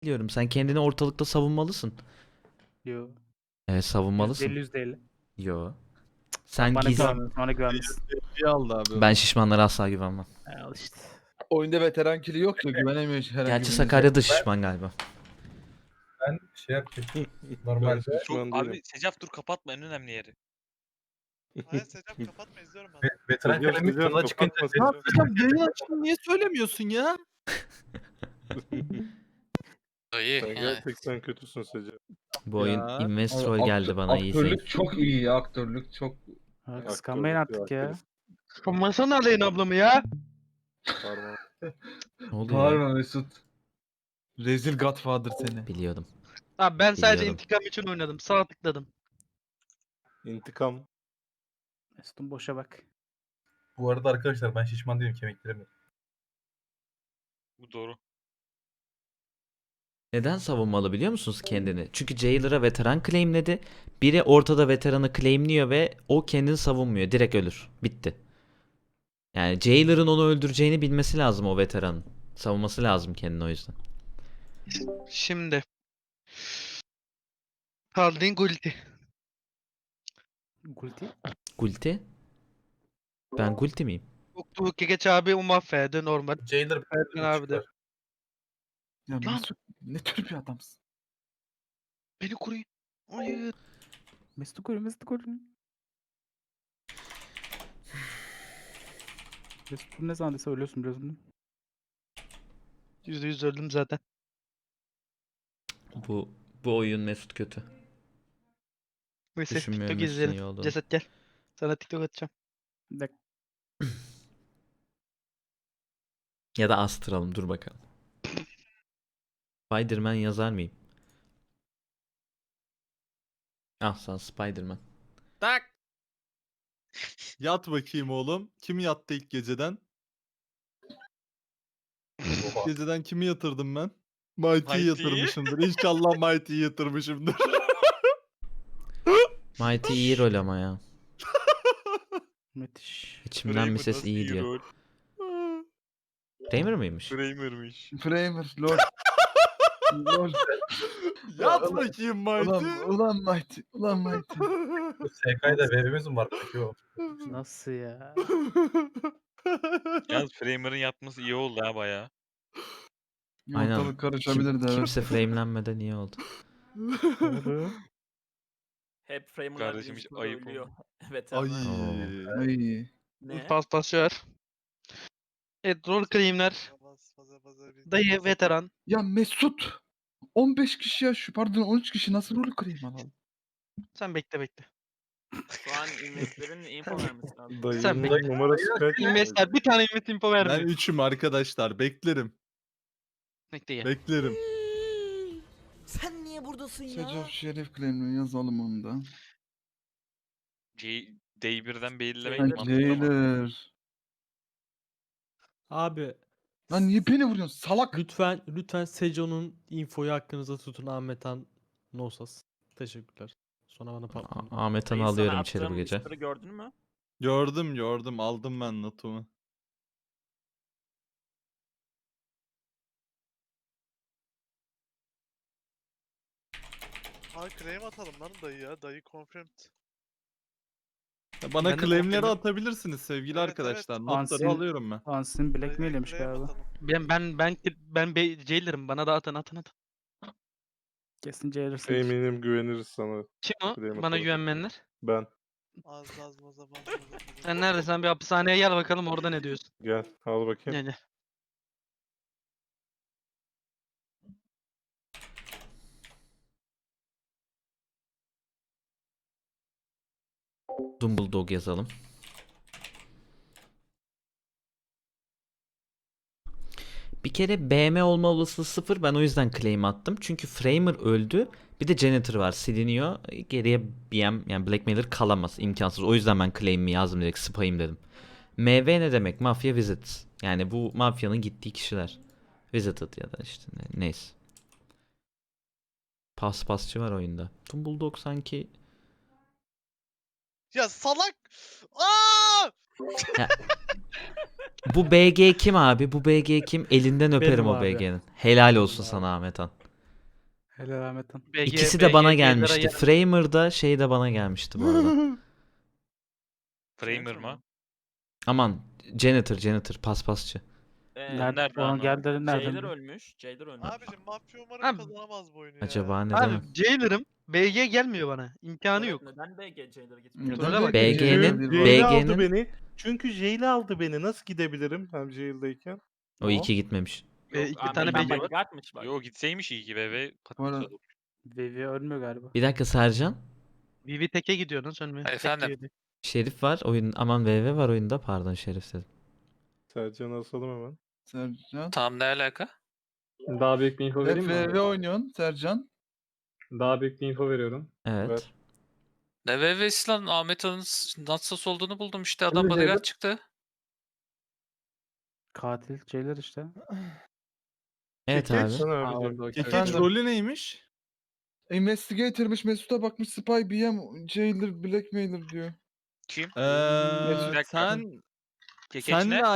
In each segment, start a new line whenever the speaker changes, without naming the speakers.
Biliyorum, sen kendini ortalıkta savunmalısın.
Yo.
Evet, savunmalısın.
%50 %50.
Yo.
Sen
Sen
bana
gizli.
güvenmiyorsun. Bana güvenmişsin.
İyi aldı abi.
Ben şişmanlara asla güvenmem.
Al işte.
Oyunda veteran kili yok ya güvenemiyor herhangi
Gerçi
birinize.
Sakarya'da şişman galiba.
Ben şey yapayım.
Ben
Normalde
şişman
Çok,
değilim.
abi Secaf dur kapatma, en önemli yeri.
Hayır Secaf kapatma, izliyorum ben.
veteran
Secaf,
kalemi
Secaf,
kanala çıkınca
kapatma
Secaf-
Secaf.
Yayın açtın niye söylemiyorsun ya?
Dayı.
Sen gerçekten kötüsün Secaf.
Bu oyun
Ya.
Investrol geldi bana iyi sayın.
Aktörlük çok iyi ya aktörlük çok.
Ha, kıskanmayın artık ya.
Kıskanmasana Aleyhin ablamı ya.
Pardon.
Ne oluyor ya?
Bağırma Mesut. Rezil Godfather seni.
Biliyordum.
Abi ben sadece
Biliyorum.
intikam için oynadım. Sağa tıkladım.
İntikam.
Mesut'un boşa bak.
Bu arada arkadaşlar ben şişman değilim, kemiklerim yok.
Bu doğru.
Neden savunmalı biliyor musunuz kendini? Çünkü Jailer'a veteran claimledi. Biri ortada veteranı claimliyor ve o kendini savunmuyor. Direkt ölür. Bitti. Yani Jailer'ın onu öldüreceğini bilmesi lazım o veteranın. Savunması lazım kendini o yüzden.
Şimdi. Haldin Gulti.
Gulti.
Gulti? Ben Gulti miyim?
Uktu Geç abi mahvedi normal.
Jailer
Erden abi de.
Ya
Lan!
Mesut ne tür bir adamsın?
Beni koruyun. Hayır.
Mesut'u koru. Mesut'u koru. Mesut bunu ne zaman dese ölüyorsun biliyorsun değil mi?
%100 öldüm zaten.
Bu oyun Mesut kötü.
Neyse
Düşünmüyorum
TikTok
Mesut'un iyi
izleyelim.
olduğunu.
Ceset gel. Sana TikTok atacağım.
Bir dakika.
Ya da astıralım, dur bakalım. Spider-Man yazar mıyım? Ah, sen Spider-Man.
Tak. Yat bakayım oğlum. Kim yattı ilk geceden? İlk geceden kimi yatırdım ben? Mighty'yi
Mighty'yi?
yatırmışımdır. İnşallah Mighty'yi yatırmışımdır.
Mighty iyi rol ama ya.
Müthiş.
İçimden
Kramer
bir ses
nasıl
iyi diyor.
rol?
Kramer mıymış?
Kramer'mış.
Framer lol. Lol.
Yat
ulan-
bakayım Mighty.
Ulan Mighty. Ulan Mighty.
SK'da VB'miz mi var peki o?
Nasıl ya?
Yalnız Framer'ın yapması iyi oldu ha baya.
Aynen.
Ortalık karışabilirdi evet.
Kimse framelenmeden iyi oldu.
Doğru.
Hep Framer'lar
Kardeşim hiç
birinci turda
ayıp
ölüyor.
oldu.
Evet
Ay.
Oo.
Ay.
Ne?
Paslaşıyor. Evet rol claimler. Dayı veteran.
Ya Mesut. 15 kişi ya şu pardon 13 kişi nasıl rol kırayım alalım?
Sen bekle.
Şu an investlerin info vermesi lazım.
Sen
Dayının
bekle.
numarası kaç?
Investor bir tane invest info
Ben
vermiyor.
3'üm arkadaşlar. Beklerim.
Bekle ya.
Beklerim.
Sen niye buradasın
Secaf Şerif claim'le yazalım onu da.
D1'den belirlemek
Jailer.
mantıklı ama.
Jailer.
Abi
Lan niye beni vuruyorsun salak?
lütfen Sejo'nun infoyu hakkınızda tutun Ahmetan Nosas. Teşekkürler. Sonra bana patlamayın.
Ahmet Han'ı
Dayı, sana
alıyorum içeri bu
attığım
gece.
story gördün mü?
Gördüm. Aldım ben notumu.
Abi claim atalım lan dayı ya. Dayı confirmed.
Ya bana
Ben de
claimleri
confirm'im.
atabilirsiniz sevgili
Evet,
arkadaşlar.
evet.
Notları
Ansin-
alıyorum ben.
Ansin blackmail'lemiş
Dayıya claim
galiba.
atalım.
Ben jailer'ım. Bana da atın.
Kesin Jailer'sın.
Eminim güveniriz sana.
Kim o?
Claim
Bana
atalım.
güvenmeyenler.
Ben.
Az.
Sen neredesin? Bir hapishaneye gel bakalım orada ne diyorsun.
Gel al bakayım.
Gel.
Dumbledore yazalım. Bir kere BM olma olasılığı 0. Ben o yüzden claim attım. Çünkü Framer öldü. Bir de Janitor var. Siliniyor. Geriye BM yani Blackmailer kalamaz. İmkansız. O yüzden ben claim'imi yazdım direkt. Spayım dedim. MV ne demek? Mafya Visit. Yani bu mafyanın gittiği kişiler. Visited ya da işte neyse. Paspasçı var oyunda. Dumbledore sanki...
Ya salak! Aa!
Bu BG kim abi? Bu BG kim? Elinden öperim
Benim
o
abi.
BG'nin. Helal olsun
Benim
sana Ahmet Han.
Helal Ahmet'ten.
İkisi de bana
BG
gelmişti.
yer-
Framer'da şey de bana gelmişti bu arada.
Framer mı?
Aman janitor paspasçı.
Nerede?
nerede
Onu
anlamadım.
geldi nereden?
Jailer ölmüş. Jailer ölmüş.
Abicim mafya umarım
Abi-
kazanamaz bu oyunu ya.
Acaba neden?
Abi Jailer'ım. BG gelmiyor bana. İmkanı
Evet,
yok.
Neden BG Jailer gitmiyor?
Neden
Troll'e bak.
BG'nin
Jail'e aldı
BG'nin
beni. Çünkü Jail'e aldı beni. Nasıl gidebilirim hem Jail'deyken?
o iki gitmemiş.
İki tane
Ahmet'ten
BG var.
bodyguardmış bak.
Yo gitseymiş iyi ki be.
Bu arada-
Vivi ölmüyor galiba.
Bir dakika Sercan.
Vivi teke gidiyor lan sönmüyor. Tek
Efendim?
gidiyordu.
Şerif var oyun. Aman VV var oyunda. Pardon Şerif dedim.
Sercan asalım hemen.
Sercan.
Tam ne alaka?
Daha büyük bir info vereyim mi?
FV oynuyorsun Sercan.
Daha büyük bir info veriyorum.
Evet.
Ver.
Ne VV'si lan? Ahmet Ağa'nın Natsas olduğunu buldum işte. Adam
Şimdi
bodyguard
Jailer-
çıktı.
Katil Jailer işte.
Evet
Kekeç
abi.
sana
Aa,
abicim.
orada okey.
Kekeç
Efendim?
rolü neymiş?
Investigator'mış Mesut'a bakmış Spy BM Jailer Blackmailer diyor.
Kim?
Mesut.
Seninle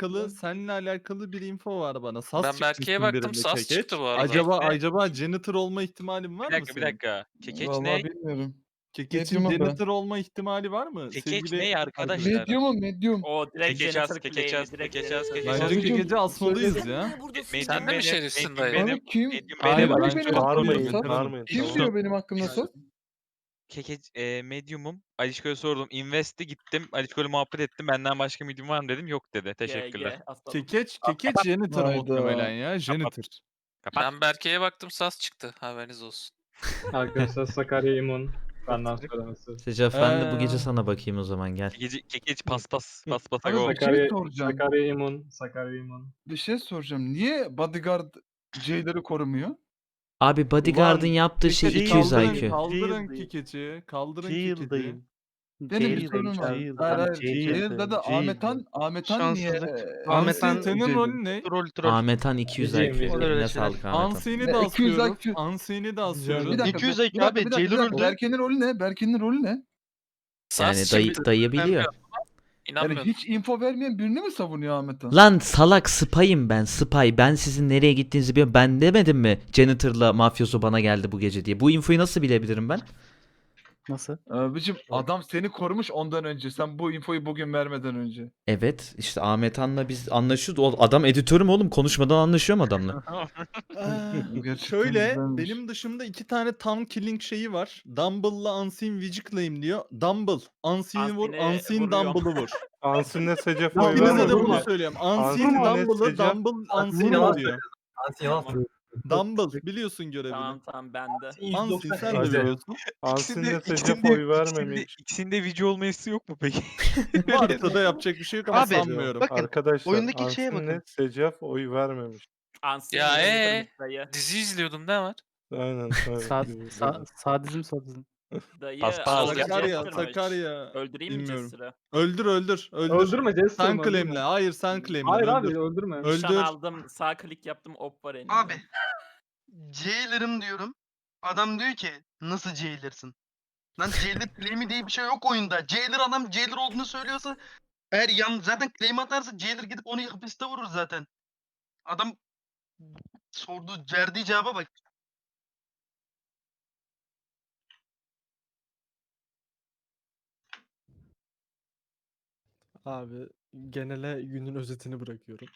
alakalı bir info var bana. Sas
Ben
çıkmışsın
Berke'ye baktım,
birinde
sas
Kekeç.
çıktı bu arada.
Acaba janitor olma ihtimalin var
Bir
mı
dakika bir
senin?
dakika. Kekeç
Vallahi
ne?
bilmiyorum.
Kekeç'in
Medium'a da.
janitor olma ihtimali var mı?
Kekeç
Sevgili
ne arkadaşlar?
Medium.
O direkt
Kekeç
janitor
az, kekeç
claim'i,
az,
direkt
kekeç
janitor
az, kekeç
claim'i.
az.
Bence
Abicim,
Kekeç'i asmalıyız
Sen
ya.
niye buradasın?
Medium
Sen
benim,
de
medium
Abi
benim.
kim?
Medium
Hayır,
benim.
Kim
bence
benim hakkımda
bağırmayın,
sor?
bağırmayın.
Kim
Tamam.
diyor benim hakkımda sor?
Kekeç medium'um. Alişko'ya sordum. Invest'e gittim. Alişko'yla muhabbet ettim. Benden başka medium var mı dedim. Yok dedi. Teşekkürler.
Kekeç janitor
Hayda.
muhtemelen ya. Janitor.
Ben Berke'ye baktım, sas çıktı. Haberiniz olsun.
Arkadaşlar Sakarya İmon. Benden söylemesi.
Secaf ben de bu
Ee.
gece sana bakayım o zaman gel.
Kekeç paspasa
Abi
go.
bir şey soracağım.
Sakarya İmon.
Bir şey soracağım. Niye bodyguard Jailer'ı korumuyor?
Abi Bodyguard'ın
Ulan,
yaptığı şey
Kekeç
200
kaldırın,
IQ.
Kaldırın Kekeç'i. Kaldırın Kekeç'i.
Jail'dayım.
Benim bir sorunum var. Hayır hayır. Jailer'da da Ahmetan niye?
Şanssızlık.
Ahmetan
Ahmetan-
senin rolün ne?
Troll.
Ahmetan 200
Bileceğim,
IQ.
bileceğim.
Eline
Öyle
sağlık
şeyler.
Ahmetan.
Ansi'ni
Ne,
de
200
asıyoruz.
IQ.
Ansi'ni de
Bir
asıyoruz.
dakika.
200
bir
IQ
dakika,
abi,
bir dakika, bir
Jailer
dakika.
öldü.
Berke'nin rolü ne? Berke'nin rolü ne?
Yani
Sas
dayı,
çıktı.
dayı biliyor.
Yani
İnanmıyorum.
hiç info vermeyen birini mi savunuyor Ahmetan?
Lan salak spy'ım ben spy. Ben sizin nereye gittiğinizi biliyorum. Ben demedim mi janitor'la mafyoso bana geldi bu gece diye. Bu infoyu nasıl bilebilirim ben?
Nasıl?
Abicim adam seni korumuş ondan önce. Sen bu infoyu bugün vermeden önce.
Evet işte Ahmet Han'la biz anlaşıyoruz. O adam editörüm oğlum. Konuşmadan anlaşıyorum adamla.
Gerçekten
Şöyle
güzelmiş.
benim dışımda 2 tane town killing şeyi var. Dumble'la Unseen Witch'i claim diyor. Dumble. Unseen'i vur.
Unseen'i
Unseen
vuruyorum.
Dumble'ı vur.
Unseen'le Secef oy
İkinize de
vermedi.
bunu söylüyorum. Unseen
Unseen'le
Dumble'ı.
Secef-
Dumble
Unseen
Unseen'i
yalan
vuruyor.
Tamam,
Dumble biliyorsun görevini.
tamam bende.
Unseen sen de
Hadi.
biliyorsun.
Unseen'le Secef oy vermemiş.
İkisinde video olmayısı yok mu peki?
Varsa da yapacak bir şey yok ama
Abi,
sanmıyorum.
Bakın,
Arkadaşlar
oyundaki şeye
Unseen'le
bakın.
Secef oy vermemiş.
Unseen
Ya,
janitor'mış dayı.
Dizi izliyordum, ne var?
Aynen.
Sadizm.
Dayı
Paspas.
Sakarya,
janitor'mış.
Sakarya.
Öldüreyim mi
Bilmiyorum.
Jester'ı?
Öldür.
Öldürme Jester.
Sen claimle. Hayır sen claimle.
Hayır
öldür.
abi öldürme.
Öldür.
Nişan aldım, sağ klik yaptım, op var elimde.
Abi. Jailer'ım diyorum. Adam diyor ki nasıl Jailer'sın? Lan Jailer claim'i diye bir şey yok oyunda. Jailer adam Jailer olduğunu söylüyorsa eğer zaten claim atarsa Jailer gidip onu hapiste vurur zaten. Adam verdiği cevaba bak.
Abi genele günün özetini bırakıyorum.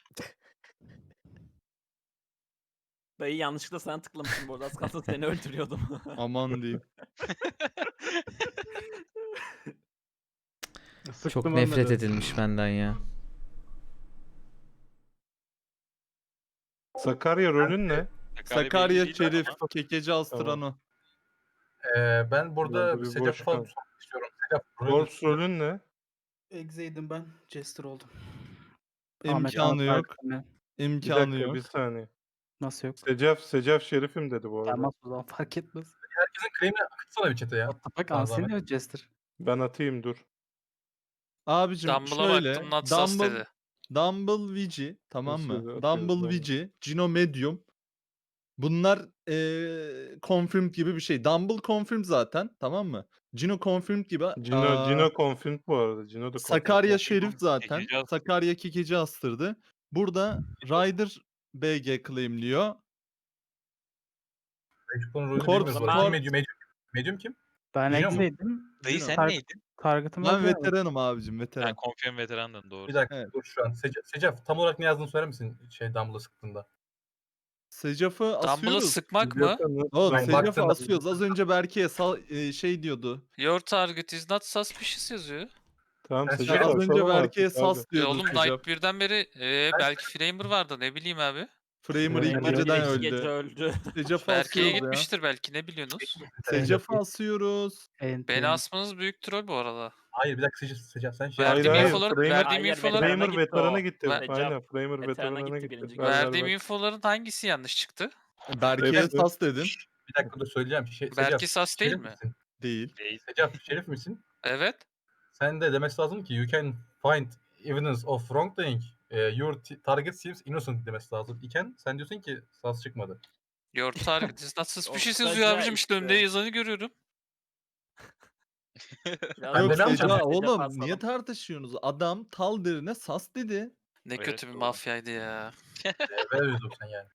Dayı yanlışlıkla sana tıklamışım bu arada. Az kalsın seni öldürüyordum.
Aman diyeyim.
Çok nefret edilmiş benden ya.
Sakarya rolün ne?
Sakarya
belli değil
Şerif.
ama.
Kekeci Astrano.
Ben burada
Bir
Secaf
boş
falan
kal.
sormak istiyorum. Secaf
Wolves rolün ne?
Exe'ydim ben. Jester oldum.
İmkanı yok.
Bir
İmkanı
dakika
yok.
bir saniye.
Nasıl yok?
Secef Şerif'im dedi bu arada.
Tamam o zaman fark etmez.
herkesin claim'ini akıtsana bir chat'e ya.
Bak
Tamam,
Unseen
Ahmet.
ya Jester.
Ben atayım dur.
Abicim
Dumble'a
şöyle.
baktım, Natsas dedi.
Dumble Vici tamam
Nasıl
mı?
atıyoruz
Dumble
bunu?
Vici, Gino Medium. Bunlar confirmed gibi bir şey. Dumble confirmed zaten tamam mı? Gino confirmed gibi.
Cino confirmed bu arada. Cino da confirmed.
Sakarya Şerif zaten.
Kekeci astırdı.
Sakarya Kekeci astırdı. Burada Ryder BG claimliyor.
Expo'nun rolünü
Corps-
bilmiyoruz. bu arada.
Corps-
Kim medium kim?
Ben
Biliyor musun?
Exe'ydim.
Dayı
Cino.
sen neydin?
Target'ım
Ben
öldü ya.
veteranım abicim
Ha,
veteran.
confirm veterandın doğru.
Bir dakika
Evet.
dur şu an. Secaf tam olarak ne yazdığını söyler misin Dumble'ı sıktığında?
Secaf'ı
Dumble'ı
asıyoruz.
sıkmak mı?
O
Ben
Secaf'ı
baktım.
asıyoruz. Az önce Berke'ye şey diyordu.
Your target is not suspicious yazıyor.
Tamam
Ben
Secaf
Ya az
asalım
önce
artık
Berke'ye
abi.
sas diyordu
Oğlum
Secaf.
Night 1'den beri belki Framer vardı ne bileyim abi.
Framer ilk
Framer
geceden
İlk gece
öldü.
öldü.
Secaf'ı
Berke'ye
asıyoruz ya.
gitmiştir belki ne biliyorsunuz?
Secaf'ı asıyoruz.
Beni asmanız büyük troll bu arada.
Hayır bir dakika Secaf sen şey
Verdiğim
Hayır,
infoları,
Framer-
verdiğim
Hayır,
infoları,
veterana
Framer
gitti
veterana
o.
gitti.
Ver-
Aynen Framer
Veterana
veterana
gitti
gitti.
birinci
Ver,
verdiğim
ver.
infoların hangisi yanlış çıktı?
Berke'ye
Hepsi.
sas dedin.
Bir dakika dur söyleyeceğim.
Belki sas değil
şerif
mi?
misin?
Değil.
Secaf şerif misin?
Evet.
Sen de demesi lazım ki you can find evidence of wrongdoing. Your target seems innocent demesi lazım. İken sen diyorsun ki sas çıkmadı.
Your target is not suspicious
Ortaca
yazıyor abicim işte
işte.
önünde yazanı görüyorum.
Biraz
Ben
Yok
de ne yapacağım?
Seca
Secaf
oğlum
asalım.
niye tartışıyorsunuz? Adam Taldir'ine sas dedi.
Ne
Evet,
kötü bir
doğru.
mafyaydı ya.
Ver yüzüm sen yani.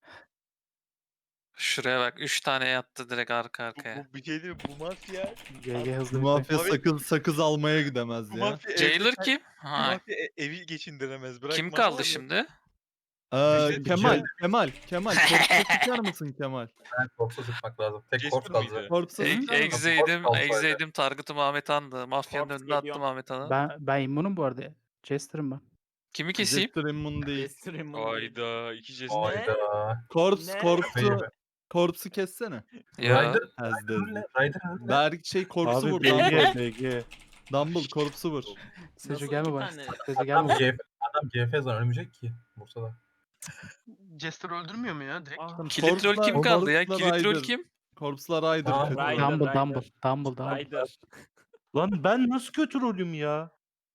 Şuraya bak 3 tane yattı direkt arka arkaya.
Bir şey değil mi? Bu mafya.
GG hızlı
Bu mafya
Abi-
sakız almaya gidemez
Bu
ya.
mafya
Jailer
evde-
kim?
Bu
Ha,
mafya evi geçindiremez. Bırak
kim
mafya
kaldı
var.
şimdi?
Kemal. Korpsa çıkar mısın Kemal?
Ben korpsa sıkmak lazım. Tek
Jester
korps kaldı.
mıydı?
Korpsa sıkar mısın?
Exe'ydim,
Korps
Exe'ydim. Target'ım Ahmet Han'dı. Mafyanın
Korps
önüne attım
geliyor.
Ahmet Han'ı.
Ben immunum bu arada. Jester'ım ben.
Kimi keseyim?
Jester immun değil.
Jester'ın bunu değil.
Hayda. İki Jester.
Hayda.
Ne?
Korpsu kessene.
Ya.
Ryder
Has
rolü ne? Ryder rolü ne?
Korpsu
Abi
vur.
BG.
Dumble korpsu vur.
Seco
Nasıl
gelme
iki
bana.
tane?
Seco gelme
Adam
bana.
GF zaman ölmeyecek ki Bursa'da.
Jester öldürmüyor mu ya direkt?
Ah,
Kilit rol kim kaldı ya? Kilit rol kim?
Korpslar Ryder.
Aa,
kötü.
Ryder.
Dumble.
Ryder.
Lan ben nasıl kötü rolüm ya?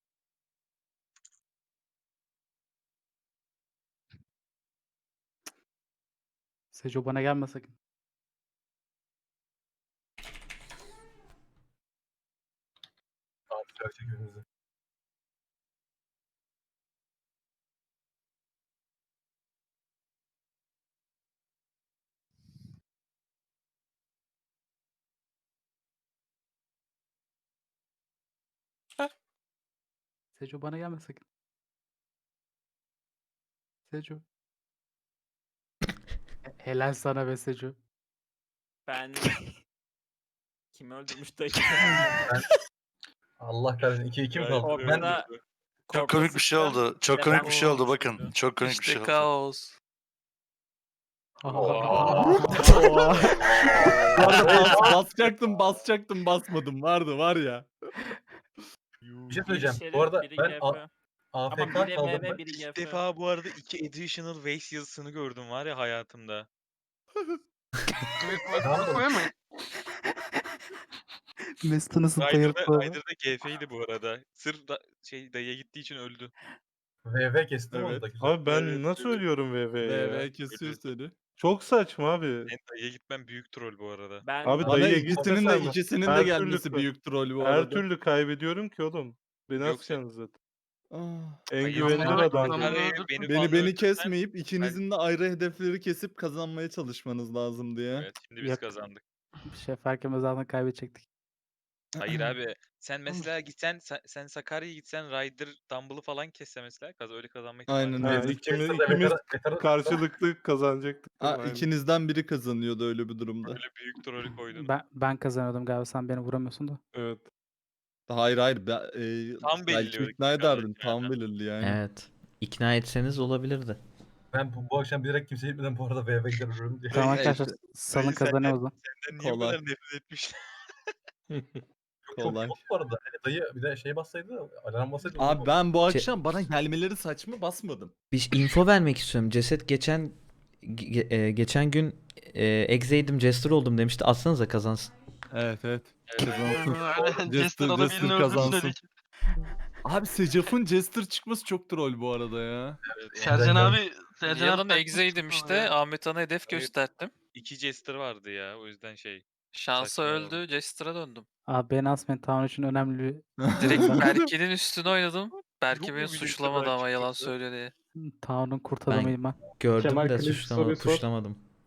Seco bana gelme sakın.
Tamam bırakacak önümüzü.
Seco bana gelme sakın. Seco. Helal sana be Seco.
Ben kim öldürmüş dayı?
Allah kahretsin 2-2 mi kaldı? Ben
Ortada
Çok komik bir şey oldu. Çok komik bir şey oldu bakın. Çok komik bir şey
İşte
oldu.
kaos.
Bu arada basacaktım basmadım. Var ya.
bir şey söyleyeceğim.
Biri
Bu arada
şerif, biri
ben
GF.
AFK
Ama biri
kaldım.
MV, biri
İlk
GF.
defa bu arada 2 additional waste yazısını gördüm var ya hayatımda.
Koyamayın.
Mesut'u nasıl
Ryder'da GF'ydi bu arada. Sırf dayıya gittiği için öldü.
VV kestim
Evet.
onu da güzel.
Abi ben
Evet,
nasıl ölüyorum VV'ye ya?
VV kesiyor seni.
Çok saçma abi.
Ben dayıya gitmem büyük troll bu arada.
Ben
Abi
Bana
dayıya
ikisinin de
Her
gelmesi
türlü-
büyük troll bu
Her
arada.
türlü kaybediyorum ki oğlum. Beni
Yok,
asacaksınız zaten.
Ah.
En
Hayır,
güvenilir
ama-
adam.
ama-
Beni kesmeyip ikinizin de ayrı hedefleri kesip kazanmaya çalışmanız lazımdı ya.
Evet şimdi biz
Yok.
kazandık.
Bir şey fark etmez zaten kaybedecektik.
Hayır abi sen mesela gitsen sen Sakarya'ya gitsen Ryder Dumble'ı falan kesse mesela öyle kazanma ihtimali
Aynen
var.
öyle.
Ha,
Biz
ikimiz
Jester'da veteran-
karşılıklı kazanacaktık. değil mi? Aynen.
İkinizden biri kazanıyordu öyle bir durumda.
Öyle büyük trollü koydum.
Ben kazanıyordum galiba, sen beni vuramıyorsun da.
Evet.
Hayır.
Tam
Belki
belirliyorduk
ikna
biz
ederdin.
kazanırken
Tam
ya.
belirli yani.
Evet. İkna etseniz olabilirdi.
Ben bu akşam bilerek kimseye gitmeden bu arada VV gider ölürüm diye.
Tamam
işte.
arkadaşlar, salın
Dayı sen-
kazanıyor o zaman.
Senden niye bu
Kolay.
kadar nefret etmişler?
Çok
Kolay.
çok bu arada. Hani dayı bir de şey bassaydı, alarm bassaydı.
Abi ben bu akşam bana gelmeleri saçma basmadım.
Bir info vermek istiyorum. Ceset geçen gün Exe'ydim Jester oldum demişti. Atsanıza kazansın.
Evet.
Jester
Jester
ada birini öldürsün
kazansın.
dedik.
Abi Secaf'ın Jester çıkması çok troll bu arada ya.
Sercan abi
Yalan
takmış
Exe'ydim
çıktı
işte.
ya.
Ahmet Han'a hedef
Evet.
gösterdim.
2 Jester vardı ya o yüzden şey.
Şansa
Saçma oldu.
öldü. Jester'a döndüm.
Abi beni asmayın, Town için önemli bir
Direkt Berke'nin üstüne oynadım. Berke
Yok
beni
mu bir
suçlamadı
Jester
ama yalan
çıktı?
söylüyor diye.
Town'un kurt adamıyım ben.
Gördüm
Kemal
de
Kılıç soruyu sor.
tuşlamadım.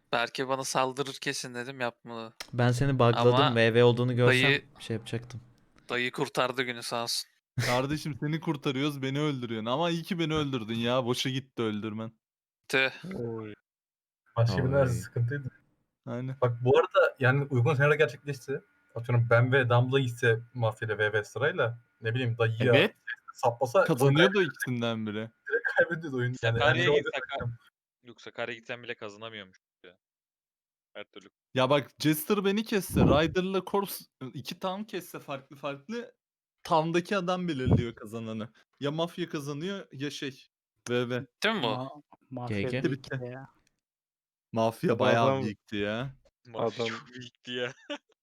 Berke bana saldırır kesin dedim yapmadı.
Ben seni bugladım.
Ama
VV olduğunu görsem
dayı-
şey yapacaktım.
Dayı kurtardı günü sağ olsun.
Kardeşim seni kurtarıyoruz, beni öldürüyorsun. Ama iyi ki beni öldürdün ya. Boşa gitti öldürmen.
Tüh.
Oy.
Başka birine
Oy.
sıkıntıydı.
Aynen.
Bak bu arada yani uygun senaryo gerçekleşse atıyorum ben ve Dumbledore gitse mafyayla VV sırayla ne bileyim dayıya
Evet.
saplasa
Kazanıyordu ikisinden biri.
kaybediyordu oyun. Yani her
Sakarya'ya
şey
git
olacak.
Yok Sakarya'ya gitsen bile kazanamıyormuş ya. Her türlü.
Ya bak Jester beni kesse, Ryder'la Corpse iki tam kesse farklı tamdaki adam belirliyor kazananı. Ya mafya kazanıyor ya VV.
Değil mi bu?
Mafya
GG.
değil
Bitti.
ki ya.
Mafya
Bu
bayağı
adam-
büyüktü ya.
Mafya
Adam-
çok büyüktü ya.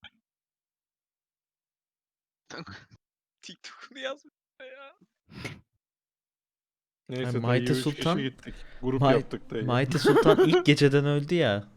TikTok'unu yazmış ya.
Neyse
Yani
dayı
Mighty
3
Sultan-
kişi gittik. Grup
Might-
yaptık dayı.
Mighty Sultan ilk geceden öldü ya.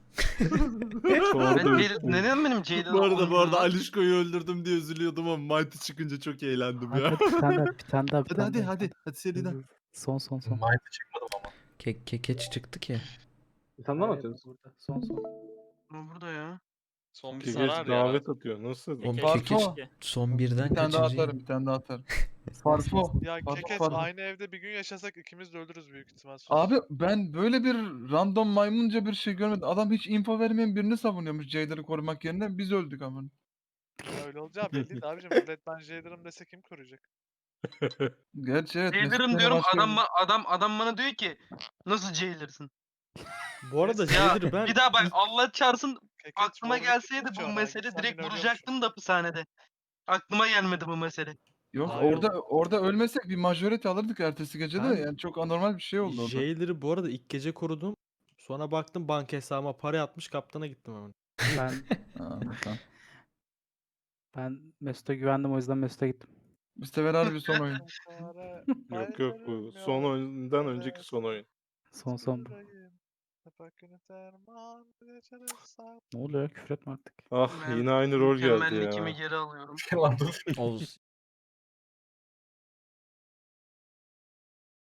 Neden benim Jailer
Bu arada
olduğunu-
Alişko'yu öldürdüm diye üzülüyordum ama Mighty çıkınca çok eğlendim
Hadi
ya.
bir tane daha, bir tane daha, bir tane daha.
Hadi seriden.
Son.
Mighty çıkmadım ama.
Kekeç çıktı ki.
Sen de mi atıyorsun? Son.
Ama burada ya.
Son bir
Kekeç
sarar ya.
davet atıyor. Nasıl?
Oğlum
Farfo.
Kekeç son birden
Bir tane daha
kaçıncı?
atarım, bir tane daha atarım. Farfo.
Ya
Farfo,
Kekeç
Farfo.
aynı evde bir gün yaşasak ikimiz de ölürüz büyük ihtimal. Sus.
Abi ben böyle bir random maymunca bir şey görmedim. Adam hiç info vermeyen birini savunuyormuş Jailer'ı korumak yerine. Biz öldük ama.
Ya öyle olacağı belliydi abicim. Millet ben Jailer'ım dese kim koruyacak?
Gerçi evet. Mesut
Jailer'ım
beni
diyorum
başka
adam bana diyor ki nasıl Jailer'sın?
Bu arada
Ya
Jailer'ı ben
bir daha bak Allah çarpsın
Kekeç
aklıma
Warwick'i
gelseydi
tutuyor
bu
ona,
mesele
gitsen
direkt
beni ölüyormuş.
vuracaktım da hapishanede. Aklıma gelmedi bu mesele.
Yok
Hayır
orada ölmesek bir majority alırdık ertesi gece de.
Ben-
Yani çok anormal bir şey oldu orada.
Jailer'ı bu arada ilk gece korudum. Sonra baktım banka hesabıma para yatmış kaptana gittim hemen.
Ben
Ha, tamam.
ben Mesut'a güvendim, o yüzden Mesut'a gittim.
Bu sefer harbi son oyun.
Yok bu son oyundan önceki son oyun.
Son bu. Ne oluyor ya? Küfür etme artık.
Ah
Ben
yine aynı rol geldi
mükemmellikimi
ya.
geri alıyorum.
Lan dur.
Oğuz